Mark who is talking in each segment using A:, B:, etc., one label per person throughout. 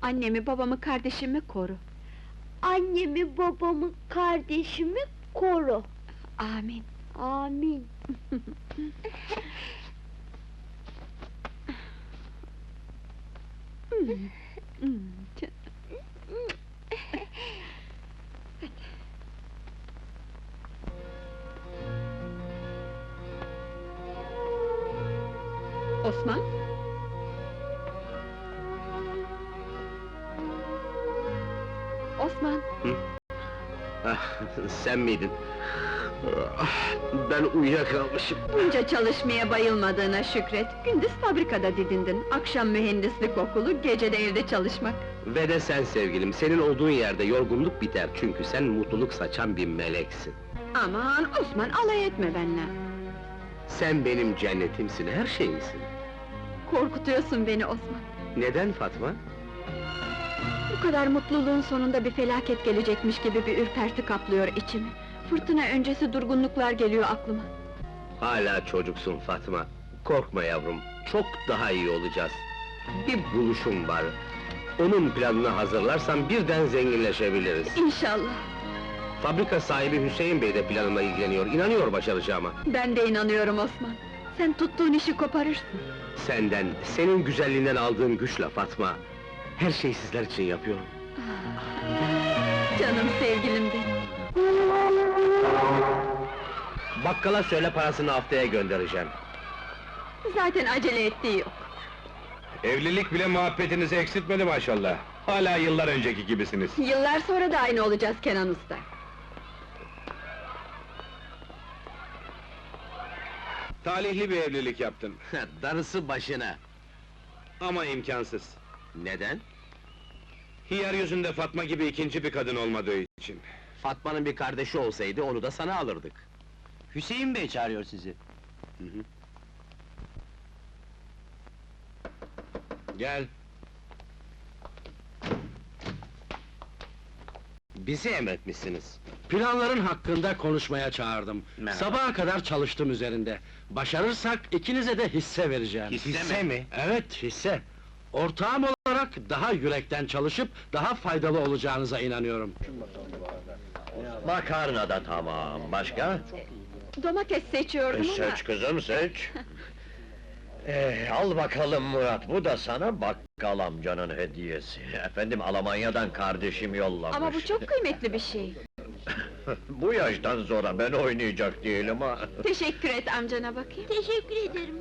A: Annemi, babamı, kardeşimi koru.
B: Annemi, babamı, kardeşimi koru.
A: Amin.
B: Amin.
A: Osman? Osman!
C: Sen miydin? Ben uyuyakalmışım.
A: Bunca çalışmaya bayılmadığına şükret. Gündüz fabrikada didindin. Akşam mühendislik okulu, gece de evde çalışmak.
C: Ve de sen sevgilim, senin olduğun yerde yorgunluk biter çünkü sen mutluluk saçan bir meleksin.
A: Aman Osman, alay etme benimle.
C: Sen benim cennetimsin, her şeyimsin.
A: Korkutuyorsun beni Osman.
C: Neden Fatma?
A: Bu kadar mutluluğun sonunda bir felaket gelecekmiş gibi bir ürperti kaplıyor içimi. Fırtına öncesi durgunluklar geliyor aklıma.
C: Hala çocuksun Fatma. Korkma yavrum, çok daha iyi olacağız. Bir buluşum var. Onun planını hazırlarsan birden zenginleşebiliriz.
A: İnşallah.
C: Fabrika sahibi Hüseyin Bey de planımla ilgileniyor, inanıyor başaracağıma.
A: Ben de inanıyorum Osman. Sen tuttuğun işi koparırsın.
C: Senden, senin güzelliğinden aldığım güçle Fatma. Her şeyi sizler için yapıyorum.
A: Canım sevgilim benim.
C: Bakkala söyle parasını haftaya göndereceğim.
A: Zaten acele ettiği yok.
D: Evlilik bile muhabbetinizi eksiltmedi maşallah. Hala yıllar önceki gibisiniz.
A: Yıllar sonra da aynı olacağız Kenan Usta.
D: Talihli bir evlilik yaptın.
C: Darısı başına.
D: Ama imkansız.
C: Neden?
D: Hiyar yüzünde Fatma gibi ikinci bir kadın olmadığı için.
C: Fatma'nın bir kardeşi olsaydı onu da sana alırdık.
E: Hüseyin Bey çağırıyor sizi.
D: Gel.
C: Bizi emretmişsiniz.
F: Planların hakkında konuşmaya çağırdım.
C: Merhaba.
F: Sabaha kadar çalıştım üzerinde. Başarırsak ikinize de hisse vereceğim.
C: Hisse mi?
F: Evet, hisse. Ortağım olarak daha yürekten çalışıp daha faydalı olacağınıza inanıyorum.
E: Makarna da tamam, başka?
A: Domates seçiyordum ama...
E: Seç kızım, seç! Al bakalım Murat, bu da sana bakkal amcanın hediyesi. Efendim, Almanya'dan kardeşim yollamış.
A: Ama bu çok kıymetli bir şey.
E: Bu yaştan sonra ben oynayacak değilim ha!
A: Teşekkür et amcana bakayım.
B: Teşekkür ederim.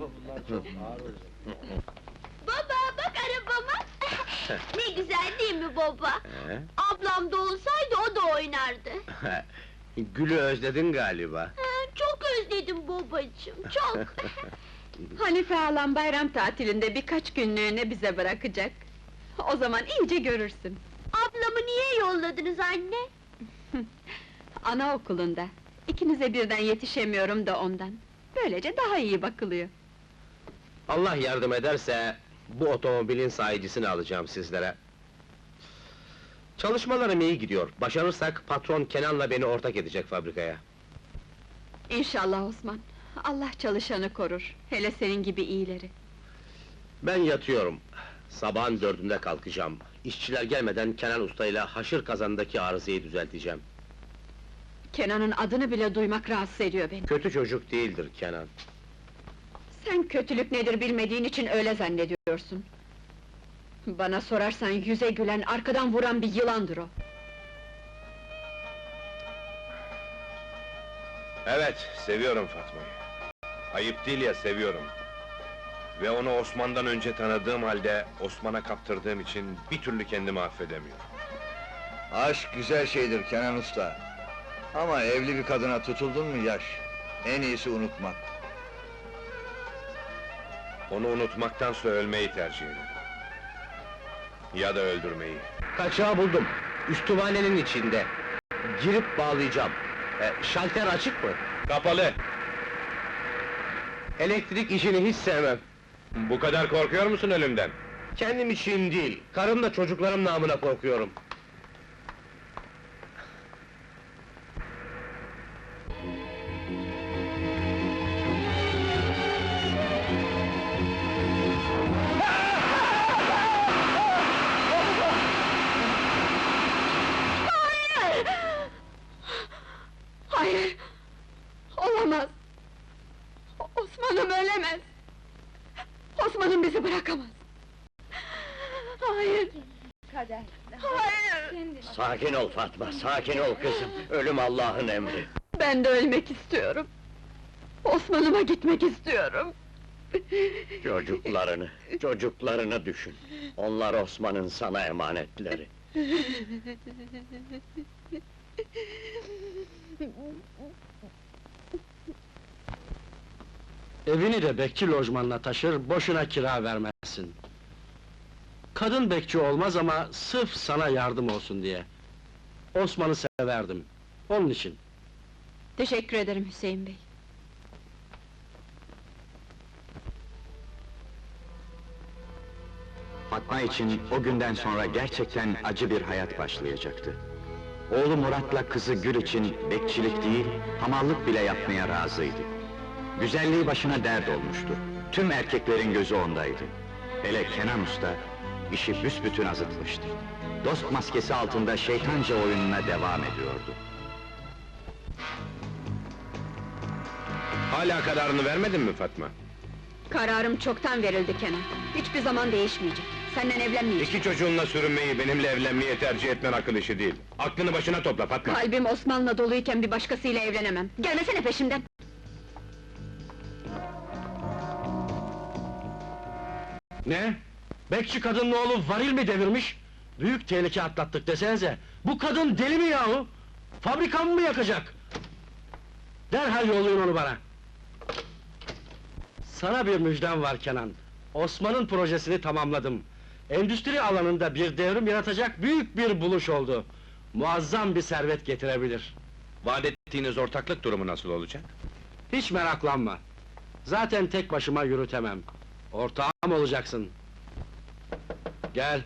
B: Baba, bak arabama! Ne güzel değil mi baba? Ablam da olsaydı o da oynardı.
C: Gül'ü özledin galiba.
B: Çok özledim babacığım, çok!
A: Hanife halam bayram tatilinde birkaç günlüğüne bize bırakacak. O zaman iyice görürsün.
B: Ablamı niye yolladınız anne?
A: Anaokulunda. İkinize birden yetişemiyorum da ondan. Böylece daha iyi bakılıyor.
C: Allah yardım ederse, bu otomobilin sahicisini alacağım sizlere. Çalışmalarım iyi gidiyor. Başarırsak patron Kenan'la beni ortak edecek fabrikaya.
A: İnşallah Osman. Allah çalışanı korur. Hele senin gibi iyileri.
C: Ben yatıyorum. Sabahın 4'ünde kalkacağım. İşçiler gelmeden Kenan Usta ile haşır kazandaki arızayı düzelteceğim.
A: Kenan'ın adını bile duymak rahatsız ediyor beni.
C: Kötü çocuk değildir Kenan.
A: Sen kötülük nedir bilmediğin için öyle zannediyorsun. Bana sorarsan yüze gülen, arkadan vuran bir yılandır o.
D: Evet, seviyorum Fatma'yı. Ayıp değil ya, seviyorum. Ve onu Osman'dan önce tanıdığım halde, Osman'a kaptırdığım için bir türlü kendimi affedemiyorum.
G: Aşk güzel şeydir Kenan Usta. Ama evli bir kadına tutuldun mu yaş. En iyisi unutmak.
D: Onu unutmaktansa ölmeyi tercih ederim. Ya da öldürmeyi.
C: Kaçağı buldum. Üstüvanenin içinde. Girip bağlayacağım. Şalter açık mı?
D: Kapalı!
C: Elektrik işini hiç sevmem.
D: Bu kadar korkuyor musun ölümden?
C: Kendim için değil, karımla çocuklarım namına korkuyorum.
H: kader.
B: Hayır!
E: Sakin ol Fatma, sakin ol kızım. Ölüm Allah'ın emri.
A: Ben de ölmek istiyorum. Osman'ıma gitmek istiyorum.
E: Çocuklarını düşün. Onlar Osman'ın sana emanetleri.
F: Evini de bekçi lojmanına taşır, boşuna kira vermezsin. Kadın bekçi olmaz ama sırf sana yardım olsun diye. Osman'ı severdim, onun için.
A: Teşekkür ederim Hüseyin bey.
I: Fatma için o günden sonra gerçekten acı bir hayat başlayacaktı. Oğlu Murat'la kızı Gül için bekçilik değil, hamallık bile yapmaya razıydı. Güzelliği başına dert olmuştu. Tüm erkeklerin gözü ondaydı. Hele Kenan Usta, işi büsbütün azıtmıştı. Dost maskesi altında şeytanca oyununa devam ediyordu.
D: Hala kararını vermedin mi Fatma?
A: Kararım çoktan verildi Kenan. Hiçbir zaman değişmeyecek. Senden evlenmeyeceğim.
D: İki çocuğunla sürünmeyi, benimle evlenmeyi tercih etmen akıl işi değil. Aklını başına topla Fatma!
A: Kalbim Osman'la doluyken bir başkasıyla evlenemem. Gelmesene peşimden!
F: Ne? Bekçi kadının oğlu varil mi devirmiş? Büyük tehlike atlattık desenize! Bu kadın deli mi yahu? Fabrikamı mı yakacak? Derhal yollayın onu bana! Sana bir müjdem var Kenan. Osman'ın projesini tamamladım. Endüstri alanında bir devrim yaratacak büyük bir buluş oldu. Muazzam bir servet getirebilir.
D: Vaat ettiğiniz ortaklık durumu nasıl olacak?
F: Hiç meraklanma. Zaten tek başıma yürütemem. Ortağım olacaksın. Gel.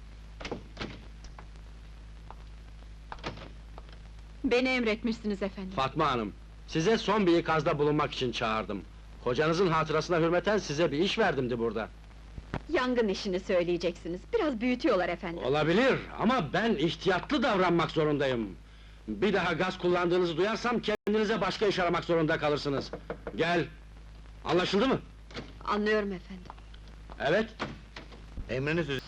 A: Beni emretmişsiniz efendim.
F: Fatma Hanım, size son bir ikazda bulunmak için çağırdım. Kocanızın hatırasına hürmeten size bir iş verdimdi burada.
A: Yangın işini söyleyeceksiniz. Biraz büyütüyorlar efendim.
F: Olabilir ama ben ihtiyatlı davranmak zorundayım. Bir daha gaz kullandığınızı duyarsam kendinize başka iş aramak zorunda kalırsınız. Gel. Anlaşıldı mı?
A: Anlıyorum efendim.
F: Evet.
G: Emriniz üzere.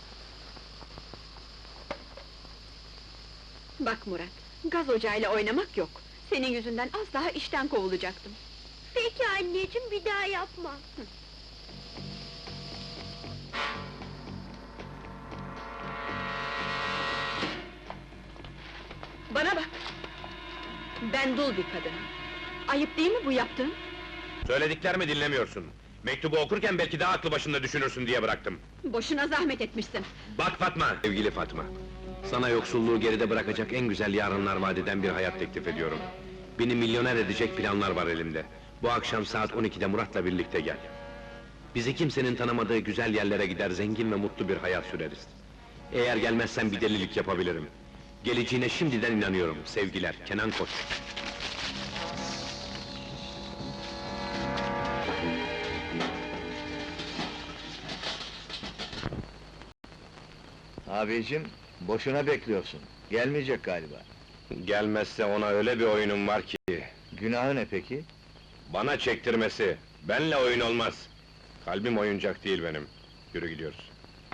A: Bak Murat, gaz ocağıyla oynamak yok. Senin yüzünden az daha işten kovulacaktım.
B: Peki anneciğim, bir daha yapma.
A: Bana bak! Ben dul bir kadınım. Ayıp değil mi bu yaptığın?
D: Söylediklerimi dinlemiyorsun. Mektubu okurken belki daha aklı başında düşünürsün diye bıraktım.
A: Boşuna zahmet etmişsin.
D: Bak Fatma! Sevgili Fatma! Sana yoksulluğu geride bırakacak en güzel yarınlar vaat eden bir hayat teklif ediyorum. Beni milyoner edecek planlar var elimde. Bu akşam saat 12'de Murat'la birlikte gel. Bizi kimsenin tanımadığı güzel yerlere gider, zengin ve mutlu bir hayat süreriz. Eğer gelmezsen bir delilik yapabilirim. Geleceğine şimdiden inanıyorum. Sevgiler, Kenan Koç.
G: Abicim, boşuna bekliyorsun. Gelmeyecek galiba.
D: Gelmezse ona öyle bir oyunum var ki...
G: Günahı ne peki?
D: Bana çektirmesi, benle oyun olmaz. Kalbim oyuncak değil benim. Yürü gidiyoruz.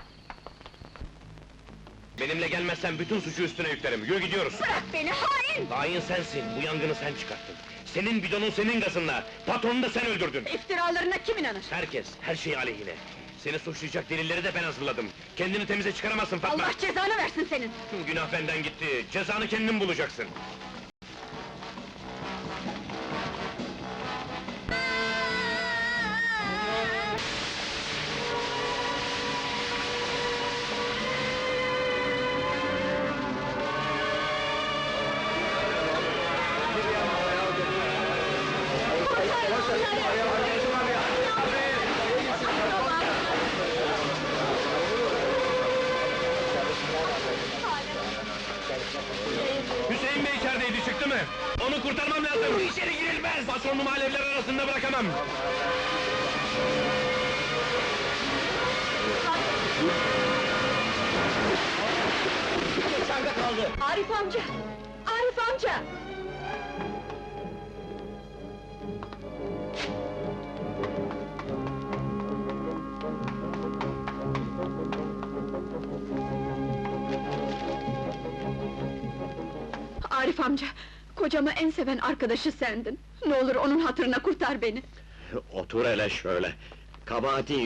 D: Benimle gelmezsen bütün suçu üstüne yüklerim. Yürü gidiyoruz.
A: Bırak beni, hain!
D: Hain sensin, bu yangını sen çıkarttın. Senin bidonun senin gazınla, patronu da sen öldürdün.
A: İftiralarına kim inanır?
D: Herkes, her şey aleyhine. Seni suçlayacak delilleri de ben hazırladım. Kendini temize çıkaramazsın Fatma!
A: Allah cezanı versin senin!
D: Günah benden gitti, cezanı kendin bulacaksın. Hüseyin Bey içerideydi, çıktı mı? Onu kurtarmam lazım! Bu içeri girilmez! Patronumu alevler arasında bırakamam!
A: Arif amca! Arif amca! Arif amca, kocamı en seven arkadaşı sendin. Ne olur onun hatırına kurtar beni.
E: Otur hele şöyle. Kabahatin